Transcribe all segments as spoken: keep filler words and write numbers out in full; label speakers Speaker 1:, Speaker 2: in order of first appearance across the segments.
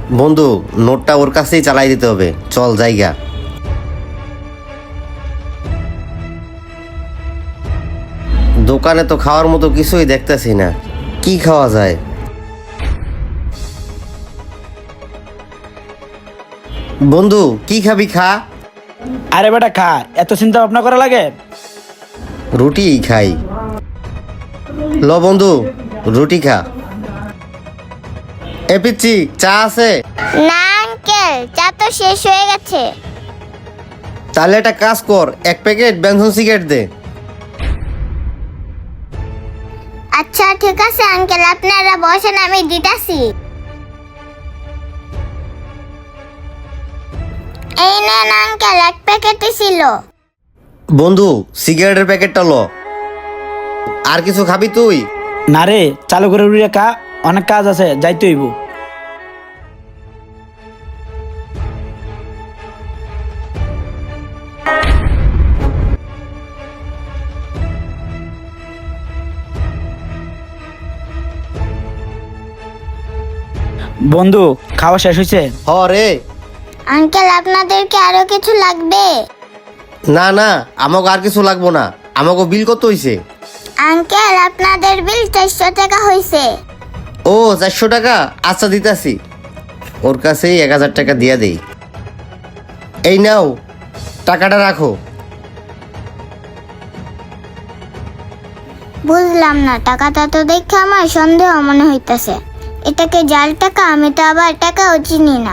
Speaker 1: বন্ধু, নোটটা ওর কাছেই চালাই দিতে হবে। চল জায়গা। দোকানে তো খাওয়ার মতো কিছুই দেখতেছি না, কি খাওয়া যায়? বন্ধু, কি খাবি? খা।
Speaker 2: আরে বেটা খা, এত চিন্তা ভাবনা করা লাগে?
Speaker 1: রুটি খাই। ল বন্ধু, রুটি খা। এ পিচ্ছি, চা আছে?
Speaker 3: না আঙ্কেল, চা তো শেষ হয়ে গেছে।
Speaker 1: তাহলে একটা কাজ কর, এক প্যাকেট বেনসন সিগারেট দে।
Speaker 3: আচ্ছা ঠিক আছে আঙ্কেল, আপনারা বসেন, আমি দিতাছি। এই নেন আঙ্কেল, এক প্যাকেটই ছিল।
Speaker 1: বন্ধু, সিগারেটের প্যাকেটটা ল। আর কিছু খাবি তুই?
Speaker 2: না রে, চালু করে উড়িয়ে খা, অনেক কাজ আছে, যাইতে হইব। বন্ধু, খাওয়া শেষ হয়েছে?
Speaker 1: হ রে।
Speaker 3: আঙ্কেল আপনাদেরকে আরো কিছু লাগবে?
Speaker 1: না না, আমাকে আর কিছু লাগবো না। আমাকে বিল কত হইছে?
Speaker 3: আঙ্কেল আপনাদের বিল চারশো টাকা হয়েছে।
Speaker 1: ও, চারশো টাকা? আচ্ছা দিতাছি। ওর কাছেই এক হাজার টাকা দিয়া দেই। এই নাও, টাকাটা রাখো।
Speaker 3: বুঝলাম না, টাকাটা তো দেখে আমার সন্দেহ মনে হইতাছে। এটাকে জাল টাকা? আমি তো আবার টাকাও চিনি না।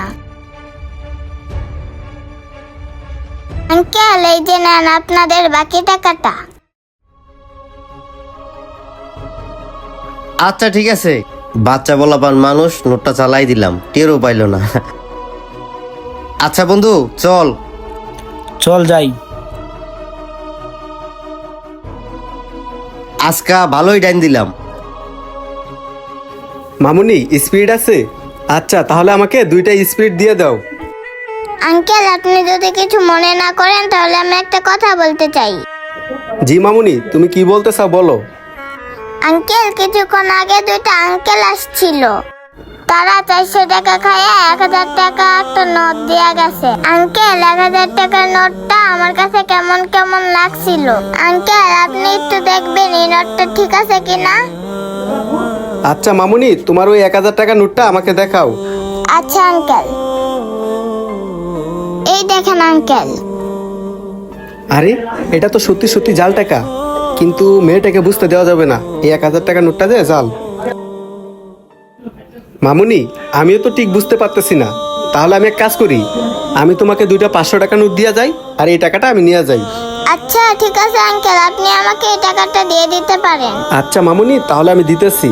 Speaker 3: আঙ্কেল এই যে নেন আপনাদের বাকি টাকাটা।
Speaker 1: আচ্ছা ঠিক আছে। বাচ্চা বলাপান মানুষ, নোটটা চালাই দিলাম, টেরও পাইল না। আচ্ছা বন্ধু, চল।
Speaker 2: চল যাই।
Speaker 1: আজকা ভালোই ডাইন দিলাম।
Speaker 4: মামুনি, স্পিড আছে? আচ্ছা তাহলে আমাকে দুইটা স্পিড দিয়ে দাও।
Speaker 3: আঙ্কেল আপনি যদি কিছু মনে না করেন তাহলে আমি একটা কথা বলতে চাই।
Speaker 4: জি মামুনি, তুমি কি বলতে চাও বলো।
Speaker 3: আঙ্কেল কিছুক্ষণ আগে দুইটা আঙ্কেল আসছিল, তারা চারশো টাকা খাইয়া এক হাজার টাকা একটা নোট দিয়া গেছে। আঙ্কেল এক হাজার টাকার নোটটা আমার কাছে কেমন কেমন লাগছিল। আঙ্কেল আপনি একটু দেখবেন এই নোটটা ঠিক আছে কিনা।
Speaker 4: আচ্ছা মামুনি, তোমার ওই এক হাজার টাকা নোটটা আমাকে দেখাও।
Speaker 3: আচ্ছা আঙ্কেল, এই দেখেন আঙ্কেল।
Speaker 4: আরে, এটা তো সত্যি সত্যি জাল টাকা, কিন্তু মেয়েটাকে বুঝতে দেওয়া যাবে না এই এক হাজার টাকা নোটটা যে জাল। মামুনি, আমিও তো ঠিক বুঝতে পারতেছি না। তাহলে আমি এক কাজ করি, আমি তোমাকে দুইটা পাঁচশো টাকা নোট দিয়ে যাই, আর এই টাকাটা আমি নিয়ে যাই।
Speaker 3: আচ্ছা ঠিক আছে আঙ্কেল, আপনি আমাকে এই টাকাটা দিয়ে দিতে পারেন।
Speaker 4: আচ্ছা মামুনি, তাহলে আমি দিতেছি।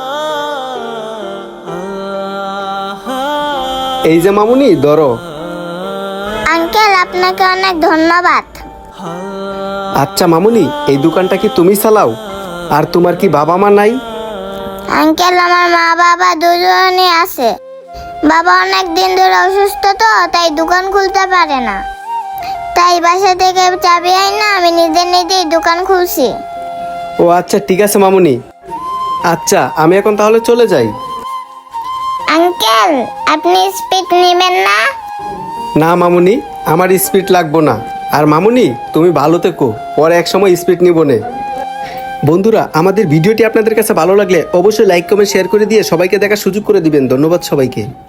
Speaker 4: এই যে মামুনি, ধরো।
Speaker 3: আঙ্কেল আপনাকে অনেক ধন্যবাদ।
Speaker 4: আচ্ছা মামুনি, এই দোকানটা কি তুমি চালাও? আর তোমার কি বাবা মা নাই?
Speaker 3: আঙ্কেল আমার মা বাবা দুজনই আছে। বাবা অনেক দিন ধরে অসুস্থ, তো তাই দোকান খুলতে পারে না, তাই বাসা থেকে চাবি আইনা আমি নিজে নিজেই দোকান খুলছি।
Speaker 4: ও আচ্ছা ঠিক আছে মামুনি। আচ্ছা আমি এখন তাহলে চলে যাই।
Speaker 3: আঙ্কেল আপনি স্পিড নেবেন না?
Speaker 4: না মামুনি, আমার স্পিড লাগবো না। আর মামুনি, তুমি ভালো থেকো, পরে এক সময় স্পিড নিব নে। বন্ধুরা, আমাদের ভিডিওটি আপনাদের কাছে ভালো লাগলে অবশ্যই লাইক কমেন্ট শেয়ার করে দিয়ে সবাইকে দেখার সুযোগ করে দিবেন। ধন্যবাদ সবাইকে।